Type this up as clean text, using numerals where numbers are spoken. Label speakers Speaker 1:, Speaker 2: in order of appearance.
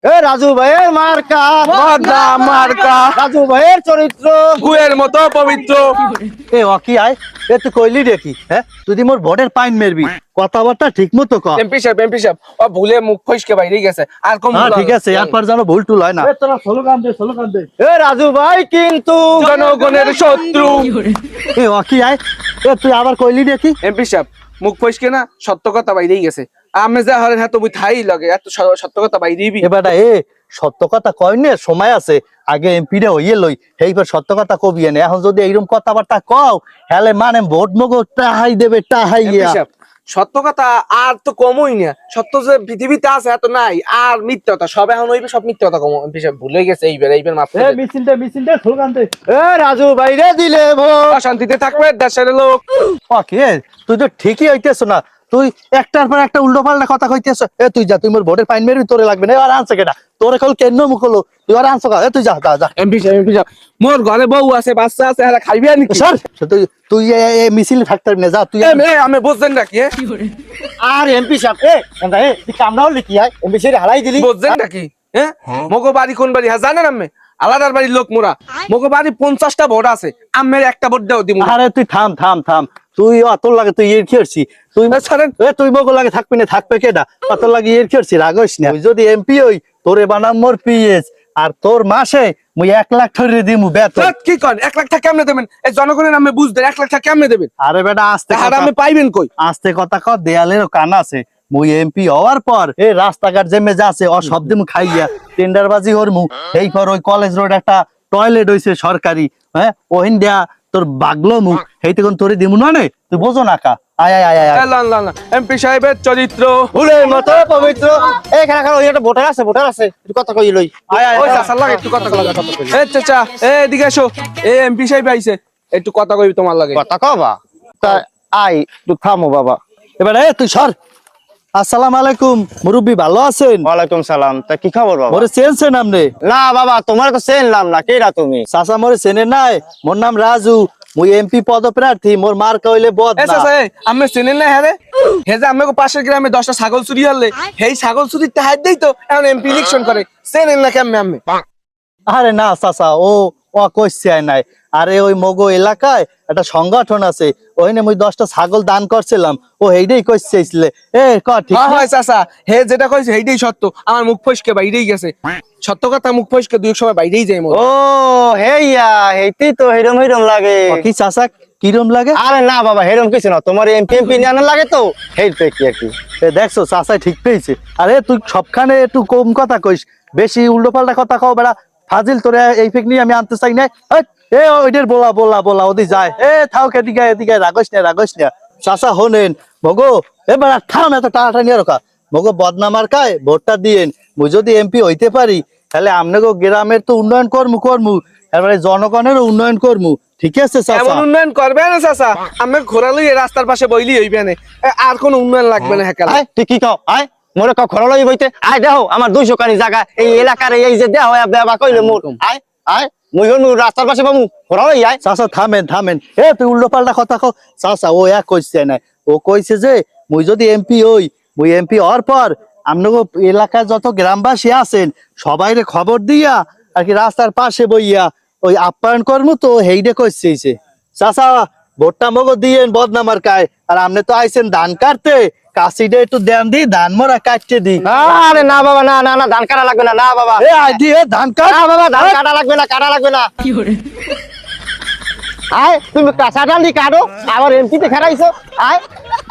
Speaker 1: এ রাজু ভাইয়ের মার্কা
Speaker 2: বদনাম মার্কা
Speaker 1: রাজু ভাইয়ের চরিত্র
Speaker 2: গুয়ের মতো পবিত্র।
Speaker 1: এ অকি আয় এ তুই কইলি দেখি হ্যাঁ তুই দি মোর ভোটের পাইন মেরবি কথাবার্তা ঠিক মতো কর।
Speaker 2: এমপি সাহেব ও ভুলে মুখ ফসকে বাইরে গেছে আর কম
Speaker 1: হ্যাঁ ঠিক আছে এরপর যেন ভুল টুল হয় না।
Speaker 3: এ তোরা স্লোগান দে
Speaker 1: এ রাজু ভাই কিন্তু
Speaker 2: জনগণের শত্রু।
Speaker 1: এ অকি আয় এ তুই আবার কইলি দেখি
Speaker 2: এমপি সাহেব মুখ ফসকে না সত্য কথা বাইরেই গেছে। আমি যা হরেন হ্যাঁ তুমি থাই লাগে এত সত্য কথা বাইরেই
Speaker 1: এবারটা এ সত্য কথা কয় নে সময় আছে আগে এমপি রে হইয়ে লই এইবার সত্য কথা কবি এনে এখন যদি এইরকম কথাবার্তা কও হেলে মানে ভোট মগো টাহাই দেবে টাহাইয়া।
Speaker 2: সত্য কথা আর তো কমই না, সত্য যে পৃথিবীতে আছে এত নাই, আর মিথ্যা কথা সব এখন হইবে, সব মিথ্যা কথা কম এমপি সাহেব ভুলে গেছে। এইবার মাফ
Speaker 3: এ মিছিল দে স্লোগান দে।
Speaker 1: এ রাজু বাইরে দিলে ভোট
Speaker 2: শান্তিতে থাকবে দেশের লোক।
Speaker 1: অকি এ তুই তো ঠিকই হইতেছ না, তুই একটার পর একটা উল্টো পাল্টা কথা কইতেছ। এ তুই যা তুই মোর ভোটের পাইন মেরবি তোরে লাগবে না আর আনছে কেটা তোরে কল কেন মুখ হলো তুই আর আনছ কা এ তুই যা যা যা
Speaker 2: এমপি সাহেব মোর ঘরে বউ আছে বাচ্চা আছে, এরা খাইবে আর নাকি?
Speaker 1: স্যার তুই তুই এ মিছিল ফ্যাক্টর না যা তুই
Speaker 2: আমি বুঝছেন নাকি
Speaker 1: আর এমপি সাহেব এ তুই কামড়া হলি কি হয় এমপি সাহেব হালাই দিলি
Speaker 2: বুঝছেন নাকি? হ্যাঁ মগো বাড়ি কোন বাড়ি হ্যাঁ জানেন? আমি আলাদার বাড়ির লোক মোরা। মগো বাড়ি 50টা ভোট আছে, আমের একটা ভোট দাও দিব।
Speaker 1: আরে তুই থাম থাম থাম তুই অতর লাগে তুই এর খেয়েছি তুই
Speaker 2: ছাড়েন
Speaker 1: এ তুই মগো লাগে থাকবি না থাকবে কেডা অতর লাগে এর খেয়েছি রাগস না তুই যদি এমপি হই তোরে বানাম মোর পিএস আর তোর মাসে মুই 1 লাখ ধরে দিমু বেতন।
Speaker 2: কি করেন 1 লাখ টাকা কেমনে দেবেন? এই জনগণের নামে বুঝ দেন 1 লাখ টাকা কেমনে দেবেন?
Speaker 1: আরে বেটা আস্তে
Speaker 2: আর আমি পাইবেন কই?
Speaker 1: আস্তে কথা কর দেয়ালেরও কান আছে। মুই এমপি হওয়ার পর এই রাস্তাঘাট জেমে যাচ্ছে ও সব দিমু খাইয়া টেন্ডারবাজি হরমু। এই পর ওই কলেজ রোড একটা টয়লেট হইছে সরকারি, হ্যাঁ ওহিন দেয়া তোর বাগলো মুখ হেইতে কোন তোরে দিমু না নে তুই বোঝো না কা আয় আয় আয় আয়
Speaker 2: এমপি সাহেবের চরিত্র
Speaker 1: ফুলের মতো পবিত্র। এখানে ওই একটা ভোটার আছে একটু কথা কই লই আয় আয়
Speaker 2: ওই চাচার লাগে একটু কথা কই। এই চাচা এদিকে এসো, এই এমপি সাহেব আইছে, একটু কথা কইবি তোমার লাগে।
Speaker 1: কথা কবা তা আই একটু থামো বাবা। এবার এ তুই সর। আসসালামু আলাইকুম মুরব্বি ভালো আছেন?
Speaker 4: ওয়ালাইকুম সালাম। তা কি খবর বাবা?
Speaker 1: মোরে চেনছেন আপনি?
Speaker 4: না বাবা তোমার তো চেনলাম না, কেডা তুমি?
Speaker 1: চাচা মোরে চেনে নাই? মোর নাম রাজু, মুই এমপি পদপ্রার্থী, মোর মার্কা হইলে
Speaker 2: এ
Speaker 1: বদনা।
Speaker 2: চাচা আমি চেনেন না? হ্যাঁ রে হে যে আমাকে পাশের গ্রামে 10টা ছাগল চুরি হলে সেই ছাগল চুরির টাহার দেই তো এখন এমপি ইলেকশন করে। চেনেন না কেমনে আমি?
Speaker 1: আরে না চাচা ও কইছে নাই। আরে ওই মগো এলাকায় একটা সংগঠন আছে, ওইনে মুই 10টা ছাগল দান করছিলাম, ও এইটাই কইছেছিলে। এ ক ঠিক না?
Speaker 2: হয় চাচা হে যেটা কইছে সেইটাই সত্য। আমার মুখ ফসকে বাইরেই গেছে, সত্য কথা মুখ ফসকে দুই এক সময় বাইরেই যায় মোর।
Speaker 4: ও হেইয়া হেইতেই তো হেরম লাগে।
Speaker 1: কি চাচা কিরম লাগে?
Speaker 4: আরে না বাবা হেরম কিছু না, তোমার এমপি নিয়ানো লাগে তো হেইতে কি আর কি।
Speaker 1: এ দেখছো চাচা ঠিক পেয়েছে। আরে তুই সবখানে একটু কম কথা কইস, বেশি উল্টো পাল্টা কথা কও বেড়া ফাজিল। তোরে এই ফেক নিয়ে আমি আনতে চাই না। এ ওইটার বলা ওদি যায়। এ থাও এদিকে রাগস না চাচা হোনেন মগো এবার থাম এত টানাটানি রকা মগো বদনামার কায় ভোটটা দিয়েন। মুই যদি এমপি হইতে পারি তাহলে আমনেগো গ্রামের তো উন্নয়ন করমু এবারে জনগণেরও উন্নয়ন করমু। ঠিক আছে চাচা?
Speaker 2: এমন উন্নয়ন করবে না চাচা, আমি ঘোরালই রাস্তার পাশে বইলি হইবে না, আর কোন উন্নয়ন লাগবে না। হ্যাঁ
Speaker 4: আয় তুই কি কও? আয় মোরে কও খরলই বইতে। আয় দেখো আমার 200 কানি জায়গা এই এলাকার এই যে দেহ বাবা কইলে মোর। আয় আয় মুই হনু রাস্তার পাশে বামু খরলই আয়।
Speaker 1: চাচা থামেন এ তুই উল্টো পাল্টা কথা কও। চাচা ও এক কইছে না, ও কইছে যে মুই যদি এমপি হই, মুই এমপি হওয়ার পর আমনগো এলাকায় যত গ্রামবাসী আছেন সবাইরে খবর দিয়া আর কি রাস্তার পাশে বইয়া ওই আপ্যায়ন করমু। তো হেইডে কইছে চাচা ভোটটা মগো দিয়েন বদনামার কায়। আর আমনে তো আইছেন ধান কাটতে, কাশিটা একটু দেন দি ধান মোরা কাটতে দি।
Speaker 4: আরে না বাবা না ধান কাটা লাগবে না। না বাবা
Speaker 1: এ আই দি ধান কাট।
Speaker 4: না বাবা ধান কাটা লাগবে না। আয় তুমি কাঁচা ডাল দি কাটো আবার এমপিতে খেলাইছো। আয়